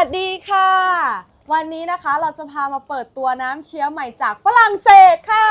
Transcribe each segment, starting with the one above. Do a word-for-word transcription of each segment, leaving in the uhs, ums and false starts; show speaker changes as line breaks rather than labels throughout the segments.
สดีค่ะวันนี้นะคะเราจะพามาเปิดตัวน้ำเชียร์ใหม่จากฝรั่งเศสค่ะ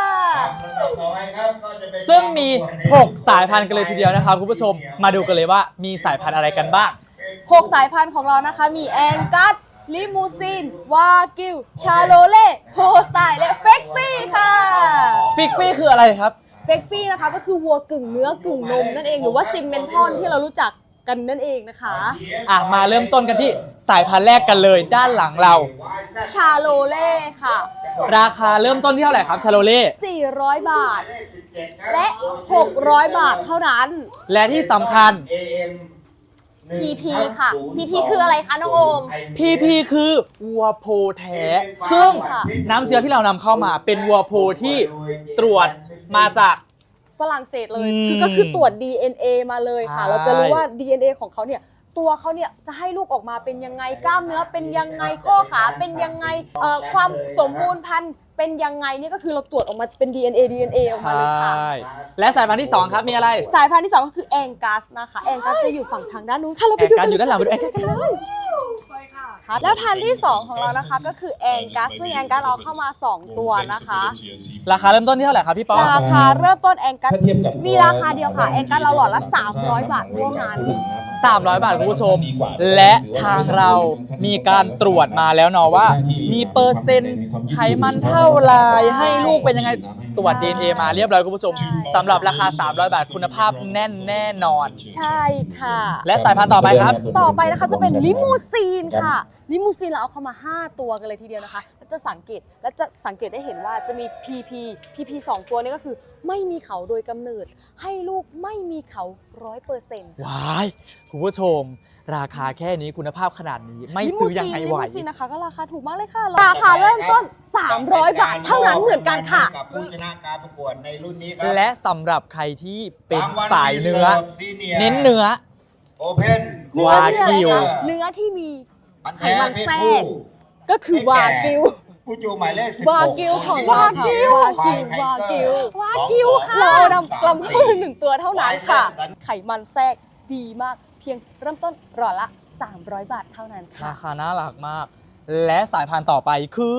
ซึ่งมีหกสายพันธุ์กันเลยทีเดียวนะครับคุณผู้ชมมาดูกันเลยว่ามีสายพันธุ์อะไรกันบ้าง
หกสายพันธุ์ของเรานะคะมีแองกัสลิมูซินวากิวชาโลเล่โฮสไตล์และเฟกฟี่ค่ะ
ฟิกฟี่คืออะไรครับ
เฟกฟี่นะคะก็คือวัวกึ่งเนื้อกึ่งนมนั่นเองหรือว่าซิมเมนทอนที่เรารู้จักกันนั่นเองนะคะ
อ่ะมาเริ่มต้นกันที่สายพันธุ์แรกกันเลยด้านหลังเรา
ชาโลเล่ค่ะ
ราคาเริ่มต้นที่เท่าไหร่ครับชาโลเล่
สี่ร้อยบาทและหกร้อยบาทเท่านั้น
และที่สำคัญ
พี พี ค่ะ พี พี คืออะไรคะน้องโอม
พี พี คือวัวโพแท้ซึ่งน้ำเชื้อที่เรานำเข้ามาเป็นวัวโพที่ตรวจมาจาก
ฝรั่งเศสเลยคือก็คือตรวจ ดี เอ็น เอ มาเลยค่ะเราจะรู้ว่า ดี เอ็น เอ ของเขาเนี่ยตัวเขาเนี่ยจะให้ลูกออกมาเป็นยังไงกล้ามเนื้อเป็นยังไงข้อขาเป็นยังไงเอ่อความสมบูรณ์พันธุ์เป็นยังไงนี่ก็คือเราตรวจออกมาเป็น ดี เอ็น เอ ดี เอ็น เอ ออกมาเลยค่ะ
และสายพันธุ์ที่สองครับมีอะไร
สายพันธุ์ที่สองก็คือแองกัสนะคะแองกัสจะอยู่ฝั่งทางด้านนู้นค่ะเราไปดูกัน
อยู่ด้านหลังไปดูแองกัสกันเลย
และพันธุ์ที่สองของเรานะคะก็คือแองกัสซึ่งแองกัสเราเข้ามาสองตัวนะคะ
ราคาเริ่มต้นที่เท่าไหร่ครับพี่ป๊อ
ราคาเริ่มต้นแองกัสมีราคาเดียวค่ะแองกัสเราหลอดละสามร้อยบาทเท่านั้น
สามร้อยบาทคุณผู้ชมและทางเรามีการตรวจมาแล้วเนาะว่ามีเปอร์เซ็นต์ไขมันเท่าไรให้ลูกเป็นยังไงตรวจ ดี เอ็น เอ มาเรียบร้อยคุณผู้ชมสำหรับราคาสามร้อยบาทคุณภาพแน่นแน่นอน
ใช่ค่ะ
และสายพันธุ์ต่อไปครับ
ต่อไปนะคะจะเป็นลิมูซีนค่ะลิมูซีนเราเอาเข้ามาห้าตัวกันเลยทีเดียวนะคะแล้วจะสังเกตและจะสังเกตได้เห็นว่าจะมี พี พี พี พี สองตัวนี้ก็คือไม่มีเขาโดยกำเนิดให้ลูกไม่มีเขา ร้อยเปอร์เซ็นต์
ว้ายคุณผู้ชมราคาแค่นี้คุณภาพขนาดนี้ไม่ซื้อยังไงไหว
ลิมูซีนนะคะก็ราคาถูกมากเลยค่ะราคาเริ่มต้นสามร้อยบาทเท่านั้นเหมือนกันค่ะ
กับผู้ชนะการประกวดในรุ่นนี้ครับ
และสำหรับใครที่เป็นสายเนื้อเน้นเนื้อ
โอเพน
วากิว
เนื้อที่มีไขมันแทรกก็คือวากิว
ผู้จูหมายเลขสิบ
วากิวของวากิววากิววากิววากิวค่ะเราเอานำกลัมเข้ามาหนึ่งตัวเท่านั้นค่ะไขมันแทรกดีมากเพียงเริ่มต้นหลอดละสามร้อยบาทเท่านั้นค่ะ
ราคาน่ารักมากและสายพันธุ์ต่อไปคือ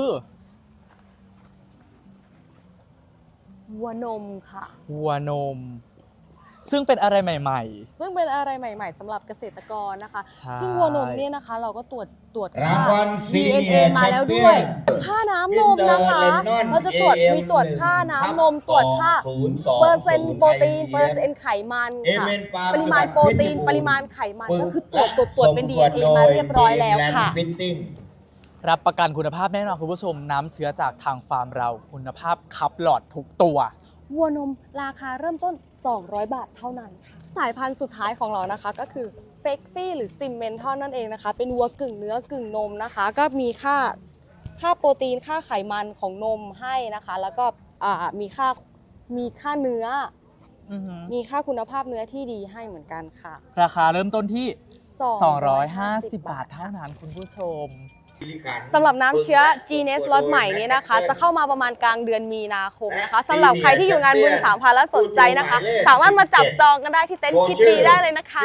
วัวนมค่ะ
วัวนมซึ่งเป็นอะไรใหม่ๆ
ซึ่งเป็นอะไรใหม่ๆสำหรับเกษตรกรนะคะซึ่งวัวนมเนี่ยนะคะเราก็ตรวจตรวจ
ค่า
ดี เอ็น เอ มาแล้วด้วยค่าน้ำนมนะคะเราจะตรวจมีตรวจค่าน้ำนมตรวจค่าเปอร์เซ็นต์โปรตีนเปอร์เซ็นต์ไขมันค่ะปริมาณโปรตีนปริมาณไขมันก็คือตรวจตรวจตรวจเป็น ดี เอ็น เอ มาเรียบร้อยแล้วค่ะ
รับประกันคุณภาพแน่นอนคุณผู้ชมน้ำเชื้อจากทางฟาร์มเราคุณภาพคับหลอดทุกตัว
วัวนมราคาเริ่มต้นสองร้อยบาทเท่านั้นค่ะสายพันธุ์สุดท้ายของเรานะคะก็คือเฟกฟี่หรือซิมเมนทอนนั่นเองนะคะเป็นวัวกึ่งเนื้อกึ่งนมนะคะก็มีค่าค่าโปรตีนค่าไขมันของนมให้นะคะแล้วก็มีค่ามีค่าเนื้อมีค่าคุณภาพเนื้อที่ดีให้เหมือนกันค่ะ
ราคาเริ่มต้นที่สองร้อยห้าสิบบาทเท่านั้นคุณผู้ชม
สำหรับน้ำเชื้อ จี เนส ล็อตใหม่นี้นะคะจะเข้ามาประมาณกลางเดือนมีนาคมนะคะสำหรับใครที่อยู่งานบุญสามพันและสนใจนะคะสามารถมาจับจองกันได้ที่เต็นท์คิดดีได้เลยนะคะ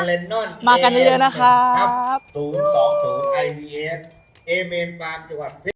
มากันเยอะๆนะครับ
ศูนย์ สอง ศูนย์ ไอ วี เอฟ เอเมนฟาร์มจังหวัด